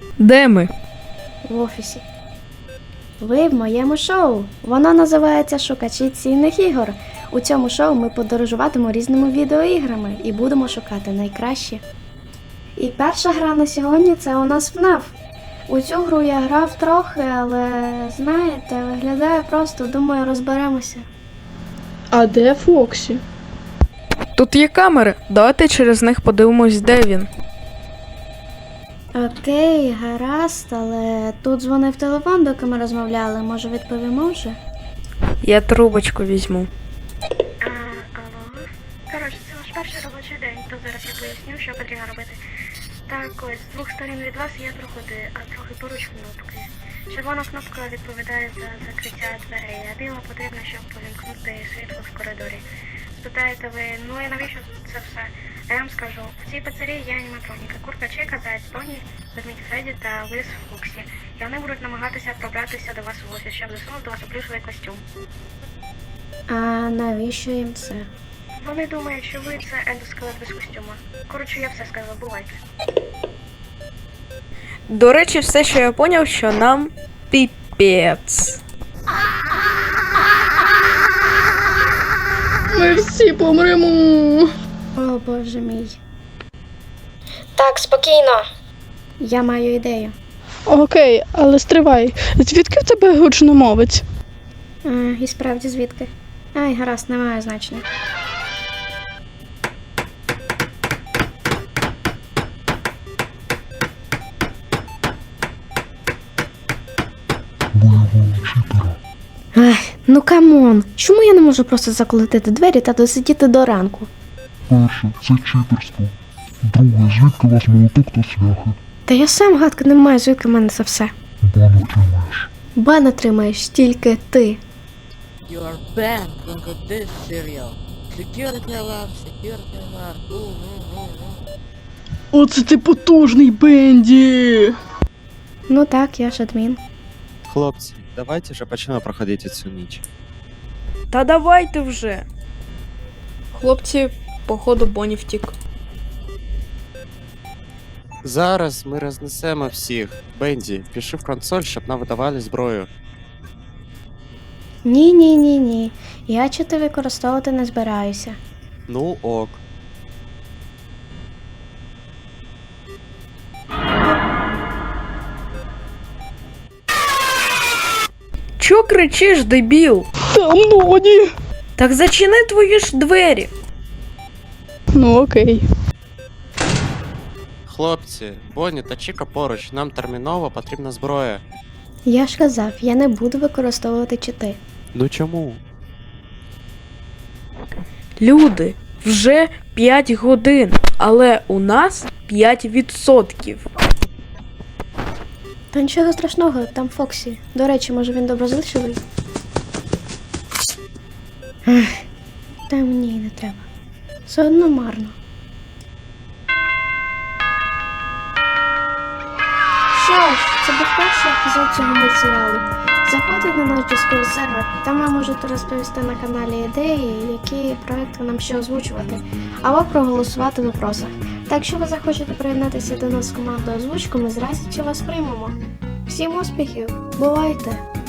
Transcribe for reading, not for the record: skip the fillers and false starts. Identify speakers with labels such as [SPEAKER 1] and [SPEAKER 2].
[SPEAKER 1] Де ми?
[SPEAKER 2] В офісі. Ви в моєму шоу. Воно називається «Шукачі цінних ігор». У цьому шоу ми подорожуватимемо різними відеоіграми і будемо шукати найкращі. І перша гра на сьогодні – це у нас FNAF. У цю гру я грав трохи, але, знаєте, виглядає просто, думаю, розберемося.
[SPEAKER 3] А де Фоксі?
[SPEAKER 1] Тут є камери. Давайте через них подивимось, де він.
[SPEAKER 2] Окей, гаразд, але тут дзвонив телефон, доки ми розмовляли. Може, відповімо вже?
[SPEAKER 1] Я трубочку візьму.
[SPEAKER 4] Алло. Коротше, це ваш перший робочий день, то зараз я поясню, що потрібно робити. Так, ось, з двох сторін від вас є проходи, а трохи поруч кнопки. Червона кнопка відповідає за закриття дверей, а біла потрібна, щоб увімкнути світло в коридорі. Спитаєте ви, ну і навіщо це все? А я вам скажу, в цій пиццерії є аніматроніка, курка Чика, заяць Тоні, ведмідь Фредді та лис Фоксі. І вони будуть намагатися пробратися до вас в офіс, щоб засунути вас у плюшовий костюм.
[SPEAKER 2] А навіщо їм це?
[SPEAKER 4] Вони думають, що ви це ендоскелет без костюма. Коротше, я все сказала, бувайте.
[SPEAKER 1] До речі, все, що я поняв, що нам піпець.
[SPEAKER 3] Ми всі помремо.
[SPEAKER 2] О, боже мій. Так, спокійно. Я маю ідею.
[SPEAKER 3] Окей, але стривай. Звідки в тебе гучномовець?
[SPEAKER 2] І справді звідки? Ай, гаразд, не має значення. Ай, ну камон, чому я не можу просто заколотити двері та досидіти до ранку?
[SPEAKER 5] Перше, це читерство. Друге, звідки у вас молоток та цвяхи?
[SPEAKER 2] Та я сам гадки не маю, звідки в мене це все.
[SPEAKER 5] Бан отримаєш.
[SPEAKER 2] Бан отримаєш тільки ти.
[SPEAKER 6] You are banned from this serial. Security alarm, security alarm.
[SPEAKER 3] Оце ти потужний, Бенді!
[SPEAKER 2] Ну так, я ж адмін.
[SPEAKER 7] Хлопці, давайте вже почнемо проходити цю ніч.
[SPEAKER 1] Та давайте вже. Хлопці, походу, Бонні втік.
[SPEAKER 7] Зараз ми рознесемо всіх. Бенді, пиши в консоль, щоб нам видавали зброю.
[SPEAKER 2] Ні. Я чити використовувати не збираюся.
[SPEAKER 7] Ну ок.
[SPEAKER 1] Чо кричиш, дебіл?
[SPEAKER 3] Там Ноні!
[SPEAKER 1] Так зачини твої ж двері.
[SPEAKER 3] Ну окей.
[SPEAKER 7] Хлопці, Бонні та Чіка поруч, нам терміново потрібна зброя.
[SPEAKER 2] Я ж казав, я не буду використовувати чити.
[SPEAKER 7] Ну чому?
[SPEAKER 1] Люди, вже 5 годин, але у нас 5%.
[SPEAKER 2] Та нічого страшного, там Фоксі. До речі, може він доброзичливий? Ех, та мені й не треба. Все одно марно. Що ж, це був перший епізод цього мультсеріалу. Заходьте на наш Discord сервер, там ви можете розповісти на каналі ідеї, які проекти нам ще озвучувати, або проголосувати в опросах. Та якщо ви захочете приєднатися до нас в команду озвучку, ми з радістю вас приймемо. Всім успіхів! Бувайте!